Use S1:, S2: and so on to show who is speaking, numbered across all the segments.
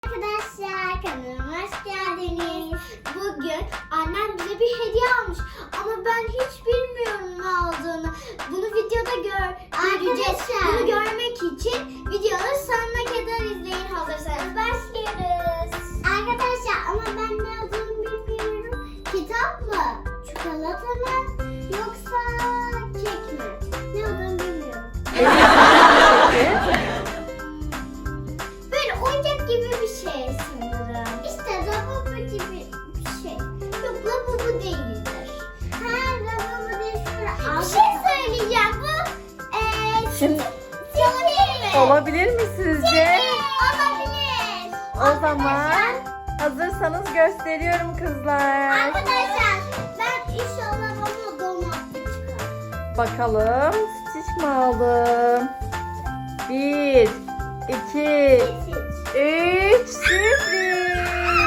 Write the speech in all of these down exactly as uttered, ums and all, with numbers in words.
S1: Arkadaşlar kanalıma hoş geldiniz. Bugün annem bize bir hediye almış ama ben hiç bilmiyorum ne aldığını. Bunu videoda gör göreceğiz. Bunu görmek için videonun sonuna kadar izleyin, hazırsanız başlıyoruz. Arkadaşlar ama ben ne aldığını bilmiyorum. Kitap mı? Çikolata mı? Yoksa kek mi? Ne aldığını bilmiyorum. Böyle oyuncak gibi bir şey sanırım. İşte lavabo gibi bir şey. Yok, lavabo değildir. Ha, lavabo değil. Bir şey söyleyeceğim. Bu eee
S2: Şimdi
S1: sihir mi?
S2: olabilir mi sizce?
S1: Olabilir.
S2: O zaman hazırsanız gösteriyorum kızlar.
S1: Arkadaşlar ben inşallah bana domates çıkar.
S2: Bakalım Stitch mi aldım? Bir, iki, üç, sürpriz.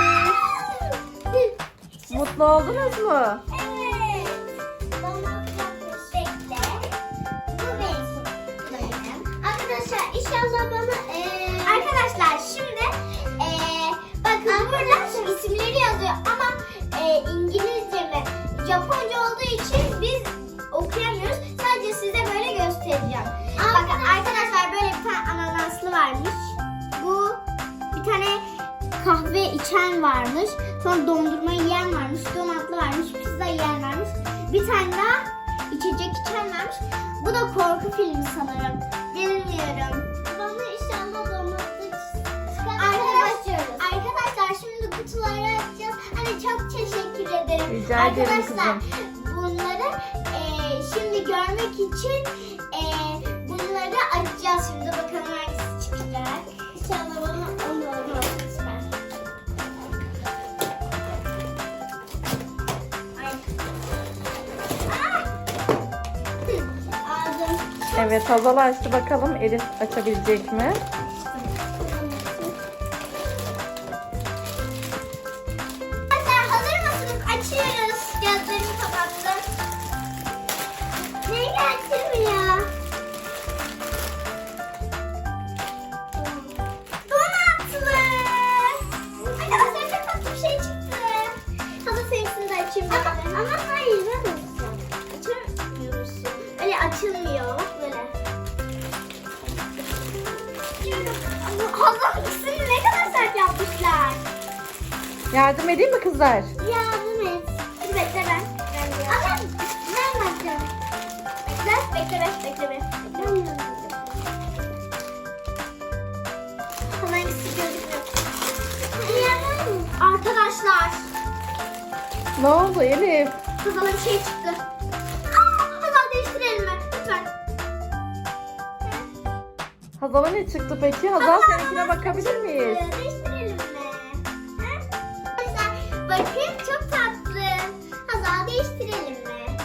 S2: Mutlu oldunuz mu?
S1: Evet. Domates bekle. Bu benim benim. Arkadaşlar inşallah bana eee arkadaşlar şimdi eee bakın burada isimleri yazıyor ama eee İngilizce mi Japonca olduğu için biz okuyamıyoruz. Sadece size böyle göstereceğim. Bakın arkadaşlar böyle bir tane ananaslı varmış. Bu bir tane kahve içen varmış. Sonra dondurma yiyen varmış. Donatlı varmış. Pizza yiyen varmış. Bir tane daha içecek içen varmış. Bu da korku filmi sanırım. Bilmiyorum. Bana inşallah domates Arkadaşlar, arkadaşlar şimdi kutuları açacağız. Hani çok teşekkür ederim.
S2: Rica ederim
S1: Arkadaşlar
S2: kızım.
S1: bunları eee, şimdi görmek için eee, bunları açacağız. Şimdi bakalım hangisi çıkacak. İnşallah bana onu olmaz. Aldım.
S2: Evet, Hazal açtı, bakalım Elif açabilecek mi?
S1: Arkadaşlar hazır mısınız? Açıyoruz. Gözlerimi kapattım. Ne getirmiyor? Donatlı. Arkadaşlar çok tatlı bir şey çıktı. Hazır seninkini de açayım. Ama, ama hayır ben olsun. Açamıyorsun. Öyle açılmıyor. Böyle. Hazır ikisini ne kadar sert yapmışlar.
S2: Yardım edeyim mi kızlar?
S1: Yardım et. Hadi bekle ben. Ben Ama ben bakacağım. Bekle, bekle, bekle, bekle. bekle. Hemen ikisi gözüküyor. Arkadaşlar,
S2: Ne oldu Elif?
S1: kızıma bir şey çıktı. Aa, hemen değiştirelim mi? Lütfen.
S2: Hazal'a ne çıktı peki? Hazal seninkine bakabilir miyiz?
S1: Değiştirelim mi? Ha? Arkadaşlar, bakın çok tatlı. Hazal değiştirelim mi?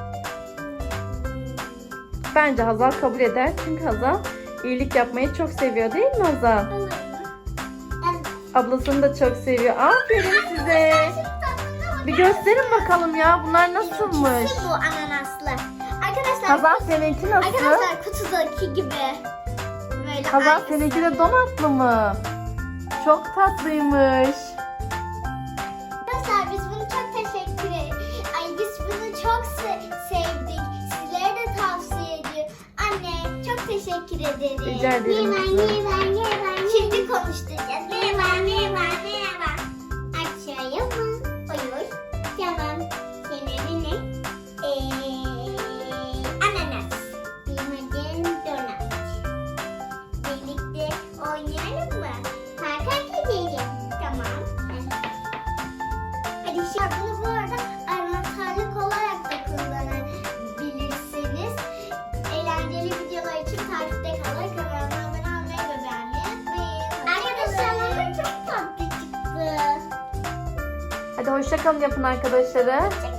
S2: Bence Hazal kabul eder, çünkü Hazal iyilik yapmayı çok seviyor, değil mi Hazal?
S1: Olur mu? Evet.
S2: Ablasını da çok seviyor. Aferin size. Bir gösterin bakalım ya, bunlar nasılmış?
S1: İkisi bu ananaslı. Arkadaşlar,
S2: Hazal seninki nasıl?
S1: arkadaşlar kutudaki gibi. Böyle
S2: Hazal
S1: aynısı.
S2: seninki de donatlı mı? Çok tatlıymış.
S1: Arkadaşlar biz bunu çok teşekkür ederiz. Ay biz bunu çok se- sevdik. Sizlere de tavsiye ediyorum. Anne çok teşekkür ederim.
S2: Rica ederim
S1: Merhaba,
S2: kızım.
S1: merhaba, merhaba. Şimdi konuşturacağız. Merhaba, merhaba, merhaba. Açayım mı? Buyur. Tamam. Senin adın ne? Eee, ananas. Benim adım donat. Birlikte oynayalım mı? Parka gidelim. Tamam. Hadi şimdi bunu bu arada anahtarlık olarak da kullanabilirsiniz. Eğlenceli videolar için takipte kalın. Kanalıma abone olmayı ve beğenmeyi unutmayın. Arkadaşlar ama çok tatlı çıktı.
S2: Hadi hoşça kalın yapın arkadaşlara.